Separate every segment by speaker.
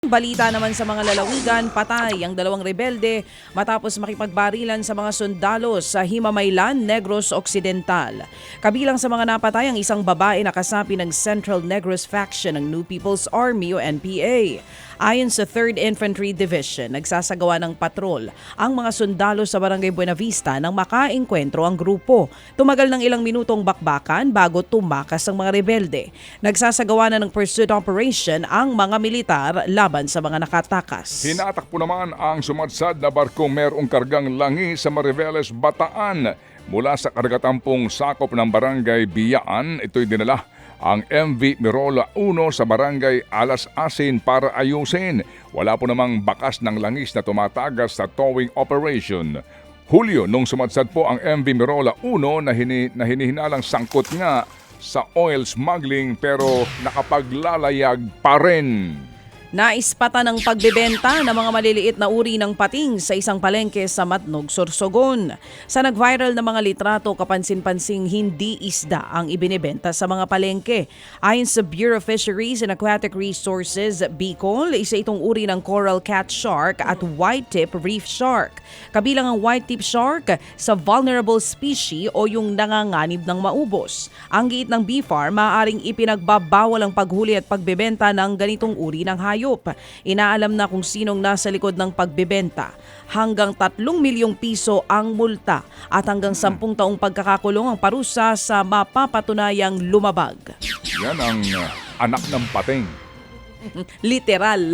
Speaker 1: Balita naman sa mga lalawigan, patay ang dalawang rebelde matapos makipagbarilan sa mga sundalo sa Himamaylan, Negros Occidental. Kabilang sa mga napatay ang isang babae na kasapi ng Central Negros Faction ng New People's Army o NPA. Ayon sa 3rd Infantry Division, nagsasagawa ng patrol ang mga sundalo sa Barangay Buenavista nang makaengkwentro ang grupo. Tumagal ng ilang minutong bakbakan bago tumakas ang mga rebelde. Nagsasagawa na ng pursuit operation ang mga militar laban sa mga nakatakas.
Speaker 2: Hinatakpo naman ang sumadsad na barkong merong kargang langi sa Mariveles, Bataan. Mula sa kargatampong sakop ng Barangay Biyaan, ito'y dinala ang MV Mirola 1 sa Barangay Alas Asin para ayusin. Wala po namang bakas ng langis na tumatagas sa towing operation. Hulyo nung sumadsad po ang MV Mirola 1 na hinihinalang sangkot nga sa oil smuggling pero nakapaglalayag pa rin.
Speaker 1: Naispata ng pagbebenta ng mga maliliit na uri ng pating sa isang palengke sa Matnog, Sorsogon. Sa nag-viral na mga litrato, kapansin-pansing hindi isda ang ibinebenta sa mga palengke. Ayon sa Bureau of Fisheries and Aquatic Resources, Bicol, isa itong uri ng coral cat shark at white-tip reef shark. Kabilang ang white-tip shark sa vulnerable species o yung nanganganib ng maubos. Ang giit ng BFAR, maaaring ipinagbabawal ang paghuli at pagbebenta ng ganitong uri ng hayop. Inaalam na kung sinong nasa likod ng pagbebenta. Hanggang 3 milyong piso ang multa at hanggang 10 taong pagkakakulong ang parusa sa mapapatunayang lumabag.
Speaker 2: Yan ang anak ng pating.
Speaker 1: Literal.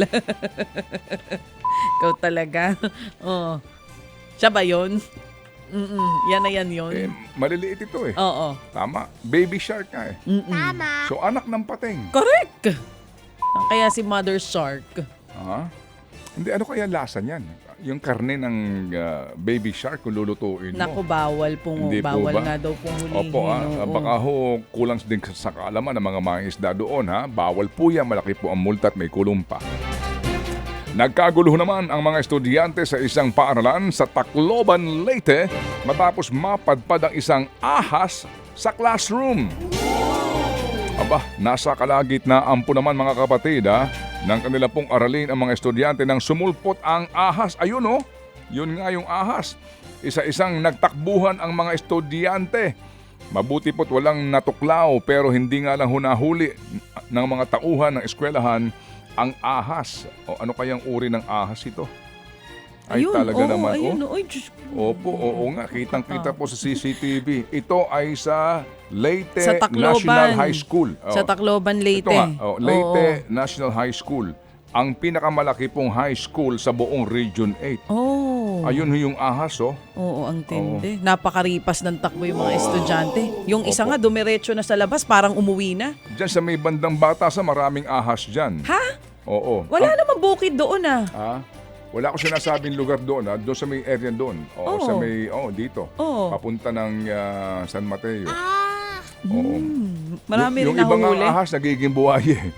Speaker 1: Ikaw talaga. Oh. Siya ba yun? Yan na yan yun.
Speaker 2: Maliliit ito eh.
Speaker 1: Oo.
Speaker 2: Tama. Baby shark nga eh.
Speaker 3: Tama.
Speaker 2: So anak ng pating.
Speaker 1: Correct. Kaya si Mother Shark.
Speaker 2: Hindi, ano kaya lasa niyan? Yung karne ng baby shark kung lulutuin mo.
Speaker 1: Naku, bawal pong
Speaker 2: Hindi po
Speaker 1: bawal
Speaker 2: ba?
Speaker 1: nga daw pong hulihin.
Speaker 2: Opo,
Speaker 1: oo.
Speaker 2: baka ho kulang din sa kaalaman ng mga mangingisda doon ha. Bawal po yan, malaki po ang multa at may kulong pa. Nagkagulo naman ang mga estudyante sa isang paaralan sa Tacloban, Leyte matapos mapadpad ang isang ahas sa classroom. Aba, nasa kalagitnaan po naman mga kapatid ng kanila pong aralin ang mga estudyante nang sumulpot ang ahas. Ayun oh, yun nga yung ahas. Isa-isang nagtakbuhan ang mga estudyante. Mabuti po't walang natuklaw pero hindi nga lang hunahuli ng mga tauhan ng eskwelahan ang ahas. O ano kayang uri ng ahas ito? Ay
Speaker 1: Ayun,
Speaker 2: talaga
Speaker 1: oo,
Speaker 2: naman.
Speaker 1: ayun,
Speaker 2: Oh.
Speaker 1: Ay, Diyos ko.
Speaker 2: Opo, oo nga. Kitang-kita po sa CCTV. Ito ay sa Leyte
Speaker 1: Sa Tacloban.
Speaker 2: National High School.
Speaker 1: Sa Tacloban, Leyte.
Speaker 2: Ito nga, Leyte
Speaker 1: Oo.
Speaker 2: National High School. Ang pinakamalaki pong high school sa buong Region 8.
Speaker 1: Oh.
Speaker 2: Ayun yung ahas, oh.
Speaker 1: Oo, ang tindi. Napakaripas ng takbo yung mga estudyante. Yung isa nga, dumiretso na sa labas, parang umuwi na.
Speaker 2: Diyan sa may bandang Batasan, maraming ahas dyan.
Speaker 1: Ha?
Speaker 2: Oo.
Speaker 1: Wala namang bukid doon
Speaker 2: Wala ko sinasabing lugar doon, doon sa may area doon. Oo,
Speaker 1: Oo.
Speaker 2: sa may, dito.
Speaker 1: Oo.
Speaker 2: Papunta ng San Mateo.
Speaker 3: Ah,
Speaker 2: Oo.
Speaker 1: Marami
Speaker 2: yung
Speaker 1: rin
Speaker 2: ibang
Speaker 1: nahuli.
Speaker 2: ahas, nagiging buhay eh.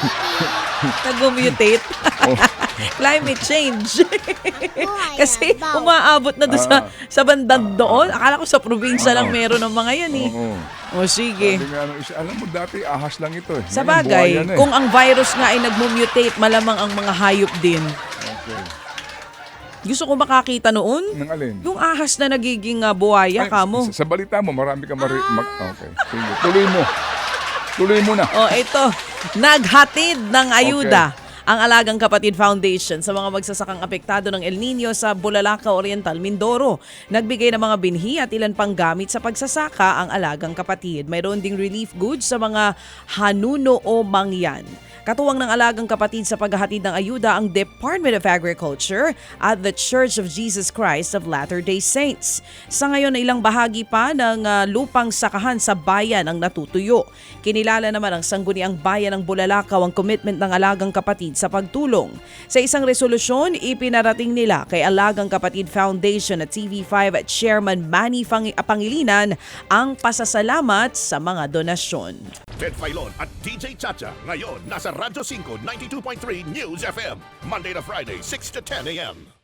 Speaker 1: Nag-mutate.
Speaker 2: Oh.
Speaker 1: Climate change.
Speaker 3: buhay
Speaker 1: Kasi
Speaker 3: yan,
Speaker 1: umaabot na doon sa bandang doon. Akala ko sa probinsya lang meron ng mga yan eh.
Speaker 2: Oo.
Speaker 1: O sige.
Speaker 2: Sabi nga nung isa, alam mo dati ahas lang ito eh.
Speaker 1: Sa
Speaker 2: Ngayon, buhay
Speaker 1: bagay,
Speaker 2: yan eh.
Speaker 1: kung ang virus nga ay nag-mutate, malamang ang mga hayop din.
Speaker 2: Okay.
Speaker 1: Gusto ko makakita noon.
Speaker 2: Nang alin?
Speaker 1: Yung ahas na nagiging buhaya
Speaker 2: Ay,
Speaker 1: kamo.
Speaker 2: Sa balita mo, marami ka okay. Sige, tuloy mo. Tuloy mo na.
Speaker 1: O ito, naghatid ng ayuda ang Alagang Kapatid Foundation sa mga magsasakang apektado ng El Nino sa Bulalaka Oriental, Mindoro. Nagbigay ng mga binhi at ilan pang gamit sa pagsasaka ang Alagang Kapatid. Mayroon ding relief goods sa mga hanuno o mangyan. Katuwang ng Alagang Kapatid sa paghahatid ng ayuda ang Department of Agriculture at the Church of Jesus Christ of Latter-day Saints. Sa ngayon, ilang bahagi pa ng lupang sakahan sa bayan ang natutuyo. Kinilala naman ang sangguniang bayan ng Bulalakaw ang commitment ng Alagang Kapatid sa pagtulong. Sa isang resolusyon, ipinarating nila kay Alagang Kapatid Foundation at TV5 Chairman Manny Pangilinan ang pasasalamat sa mga donasyon.
Speaker 4: Ted Filon at DJ Chacha ngayon nasa Radyo 5 92.3 News FM Monday to Friday 6 to 10 a.m.